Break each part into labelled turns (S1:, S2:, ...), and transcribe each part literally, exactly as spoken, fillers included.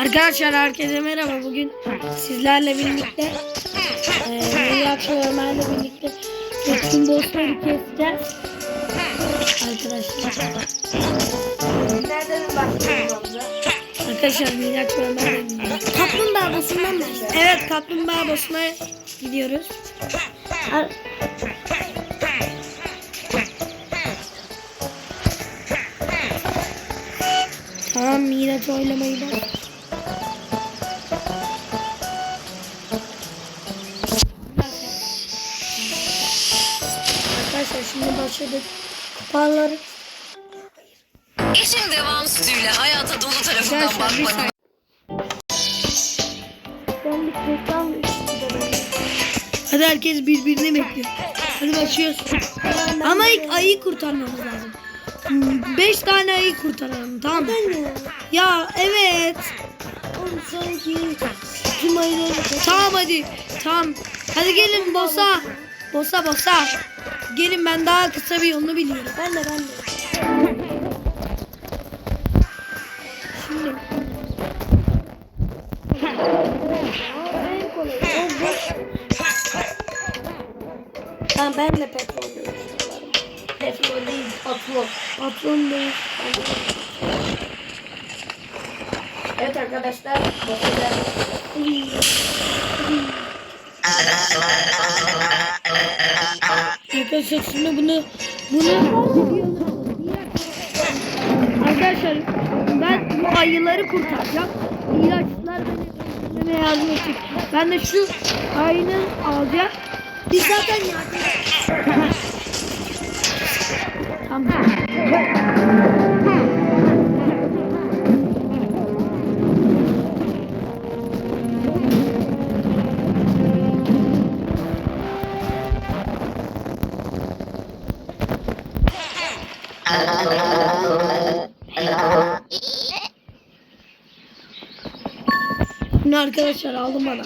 S1: Arkadaşlar herkese merhaba. Bugün sizlerle birlikte eee Miraç ve Ömer'le birlikte bütün bossları keseceğiz. Arkadaşlar.
S2: Nereden başlıyoruz?
S1: Arkadaşlar Miraç ve Ömer'le birlikte.
S2: Kaplumbağa boss'undan başlıyoruz.
S1: Evet, kaplumbağa boss'una gidiyoruz. Ar Tamam, Miraç oylamayı bak. Arkadaşlar şimdi başladık. Kupaları.
S3: İşin devam sütüyle hayata dolu tarafından
S1: Arkadaşlar bir
S3: bakmanın.
S1: Ben bir reklam Hadi herkes birbirini bekliyor. Hadi başlıyoruz. Ama ilk ayıyı kurtarmamız lazım. Hmm, Beş tane ayı kurtaralım, tamam mı? Ya evet.
S2: Oğlum sanki tüm ayıları
S1: Tamam hadi. Tamam. Hadi gelin bossa. Bossa bossa. Gelin, ben daha kısa bir yolunu biliyorum.
S2: Ben de ben de.
S1: Şimdi.
S2: Tamam, ben de petrol diyorum. Petrol değil, patron.
S1: Patron değil.
S2: Evet arkadaşlar, bakacağız.
S1: Arkadaşlar şimdi bunu bunu Arkadaşlar ben bu ayıları kurtaracağım. İlaçlar beni bana yardım edecek. Ben de şu ayını alacağım.
S2: Biz zaten yardım.
S1: Tamam. Bunu arkadaşlar aldım bana.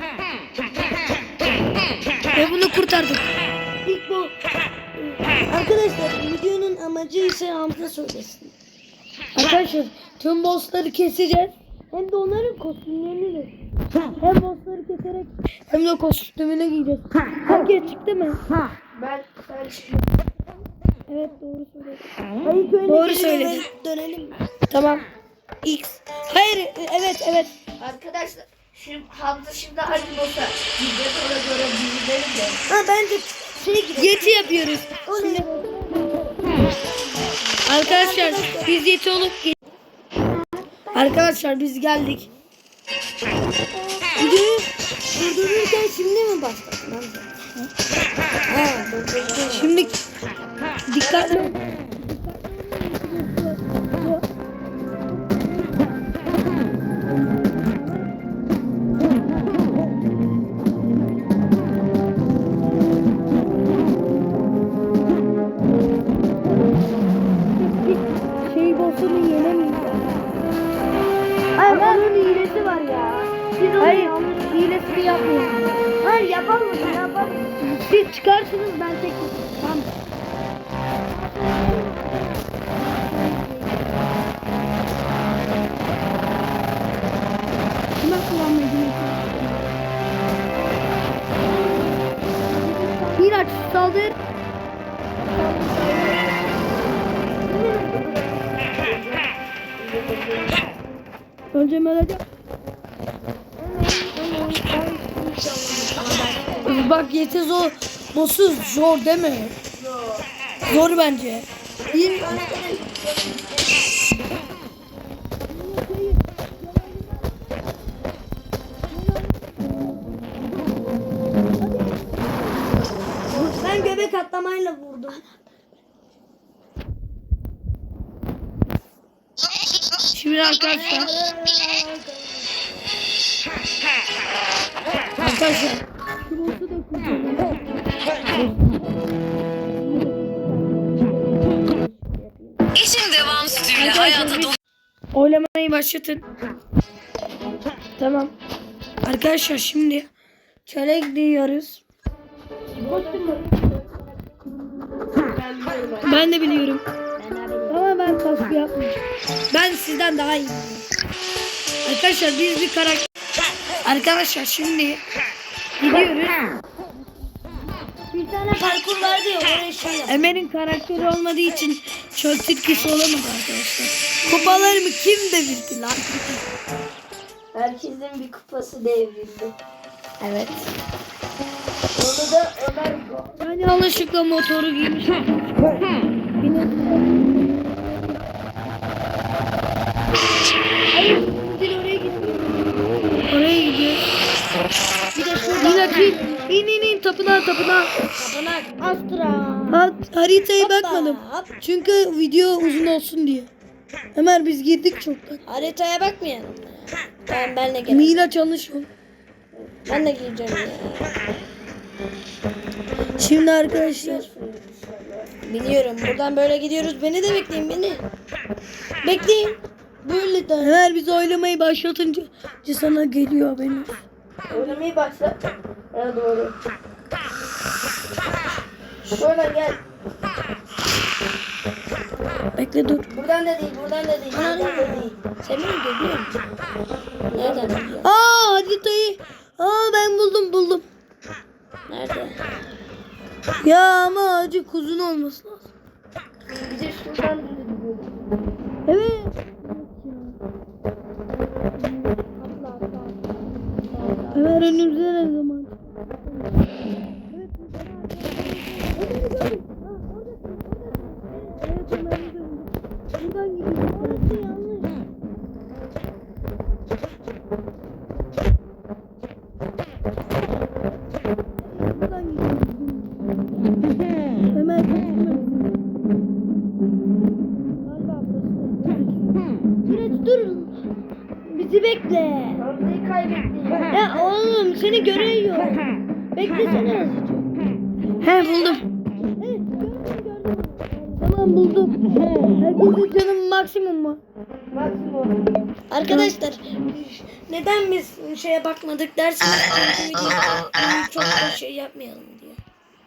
S1: Ve bunu kurtardık.
S2: İlk bu. Arkadaşlar videonun amacı ise Hamza söylesin.
S1: Arkadaşlar tüm bossları keseceğiz. Hem de onların kostümlerini de. Hem bossları keserek hem de kostümünü giyeceğiz. Herkes çıktı mı?
S2: Ben sen çıkma.
S1: Evet, doğru söylüyorsun.
S2: Hayır, köyüne
S1: Doğru
S2: geri
S1: söyledin.
S2: Dönelim mi?
S1: Tamam. X. Hayır, evet evet.
S2: Arkadaşlar şimdi Hamza şimdi hangi boss'a gideceğiz, ona göre bilgilerim de. Ha bence şey gidelim.
S1: Yeti yapıyoruz.
S2: Şimdi
S1: Arkadaşlar biz yeti olup ge- Arkadaşlar biz geldik.
S2: videoyu durdururken şimdi mi başladın Hamza? Ha, durdururken.
S1: Şimdi dikkatli. Şey bossunu yenemeyiz.
S2: Hayır, onun hilesi var ya. Siz onu
S1: Hayır,
S2: yanlış.
S1: hilesini yapmayın.
S2: Hayır, yapalım mı? Yapalım.
S1: Siz çıkarsınız, ben tek. Tamam. Şuna kullanmayı dinleyin. Miraç saldır. Önce Melody. Bak yeti zor. Boss'u zor değil mi? Zor bence.
S2: Bir Ben göbek atlamayla vurdum.
S1: Şimdi arkadaşlar. Arkadaşlar. Şu boss'u da kurtaralım.
S3: İşin devam sütüyle hayata dolu.
S1: Oylamayı başlatın. Tamam. Arkadaşlar şimdi çöle gidiyoruz. Ben de biliyorum. Ama ben kaskı yapmıyorum. Ben sizden daha iyiyim. Arkadaşlar biz bir karakter. Arkadaşlar şimdi gidiyoruz.
S2: Bir tane parkur vardı ya oraya şey yap.
S1: Ömer'in karakteri olmadığı için çöl tilkisi olamadı arkadaşlar. Kupalarımı kim devirdi lan?
S2: Herkesin bir kupası devrildi.
S1: Evet.
S2: Onu da Ömer Go.
S1: Ben yanlışlıkla motoru giymiş. Hayır, Dil oraya gidiyor. Oraya gidiyor.
S2: Bir de şurada.
S1: Miraç in, in in in tapınağa tapınağa.
S2: Tapınak. Astra.
S1: Ha, haritaya
S2: Hoppa,
S1: bakmadım.
S2: hop.
S1: Çünkü video uzun olsun diye. Ömer biz girdik çoktan.
S2: Haritaya bakmayalım. Ben benle gel.
S1: Miraç yanlış yol.
S2: Ben de gireceğim ya.
S1: Şimdi arkadaşlar.
S2: Biliyorum. Buradan böyle gidiyoruz. Beni de bekleyin beni. Bekleyin. Böyle de.
S1: Ömer biz oylamayı başlatınca sana geliyor benim.
S2: Oynamayı başla. Ha doğru. Şöyle gel.
S1: Bekle dur.
S2: Buradan da değil, buradan da değil, buradan da değil. Sen beni görüyor musun? Nereden biliyorsun?
S1: Aa haritayı. Aa ben buldum buldum.
S2: Nerede?
S1: Ya ama acı kuzun olması lazım.
S2: Bir de şuradan gidiyoruz.
S1: Evet. Ömer önümüzde ne zaman? Buradan gidiyoruz. Orası yanlış. Buradan gidiyoruz. Ömer kaçırma. Galiba burası. Miraç dur. Bizi bekle.
S2: Hamza'yı kaybettik.
S1: Ya oğlum seni görüyor. Beklesene azıcık. He buldum. Evet gördüm gördüm. Tamam buldum. Herkesin canım maksimum mu?
S2: Maksimum. Arkadaşlar neden biz şeye bakmadık dersiniz. Çünkü videoda çok da şey yapmayalım diye.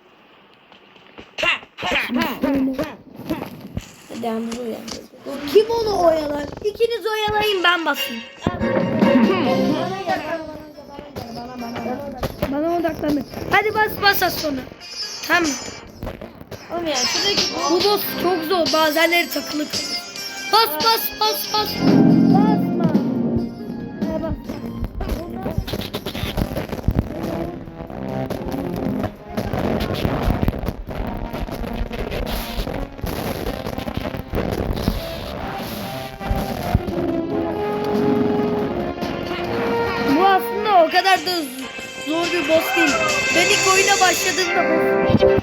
S2: Hadi Hamza uyandırdı.
S1: Kim onu oyalar? İkiniz oyalayın ben basayım.
S2: Bana gel, bana bana gel, bana bana.
S1: Bana odaklanın. Hadi bas bas az sonra. Tamam.
S2: Oğlum ya şuradaki
S1: Bu boss çok zor. Bazenleri takılı kalıyor. Bas bas bas bas. Basma. Ha, bas. Bu aslında o kadar da zor bir boss değil. Ben ilk oyuna başladığımda boss.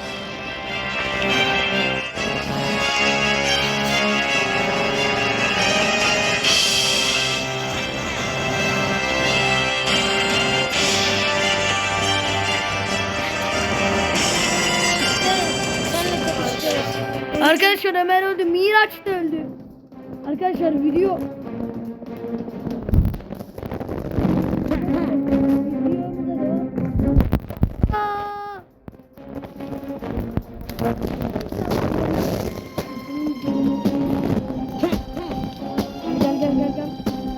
S1: Arkadaşlar Ömer öldü. Miraç da öldü. Arkadaşlar video Aa! Gel gel gel gel.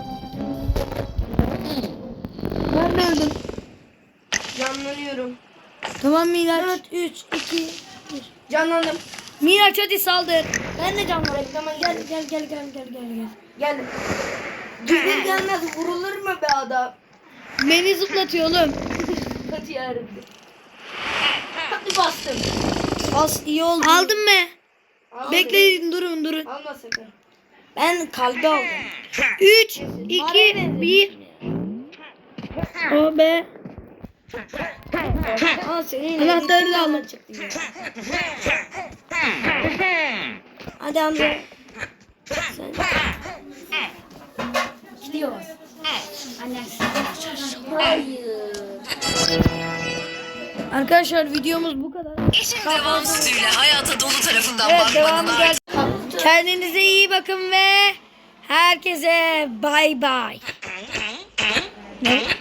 S1: Ben de öldüm.
S2: Canlanıyorum.
S1: Tamam Miraç.
S2: dört, üç, iki, bir. Canlandım.
S1: Miraç hadi saldır.
S2: Ben de canlandım. Tamam gel gel gel gel gel gel gel. Geldim. Gelir gelmez vurulur mu be adam?
S1: Beni zıplatıyor oğlum.
S2: Hadi yarabbim. Hadi bastım.
S1: As iyi oldu. Aldın mı?
S2: Almadım.
S1: Bekleyin durun durun.
S2: Alma sakın. Ben kalbi aldım.
S1: üç, iki, bir. O be.
S2: Aa senin
S1: Anahtarı da aldım.
S2: çıktı ya. Hadi Hamza. Sen. Gidiyoruz. Hayır.
S1: Arkadaşlar videomuz bu kadar.
S3: İşin devam sütüyle hayata dolu tarafından
S1: Evet
S3: bakmanın
S1: devamı
S3: ardından
S1: gel. Kendinize iyi bakın ve herkese bay bay. Ne?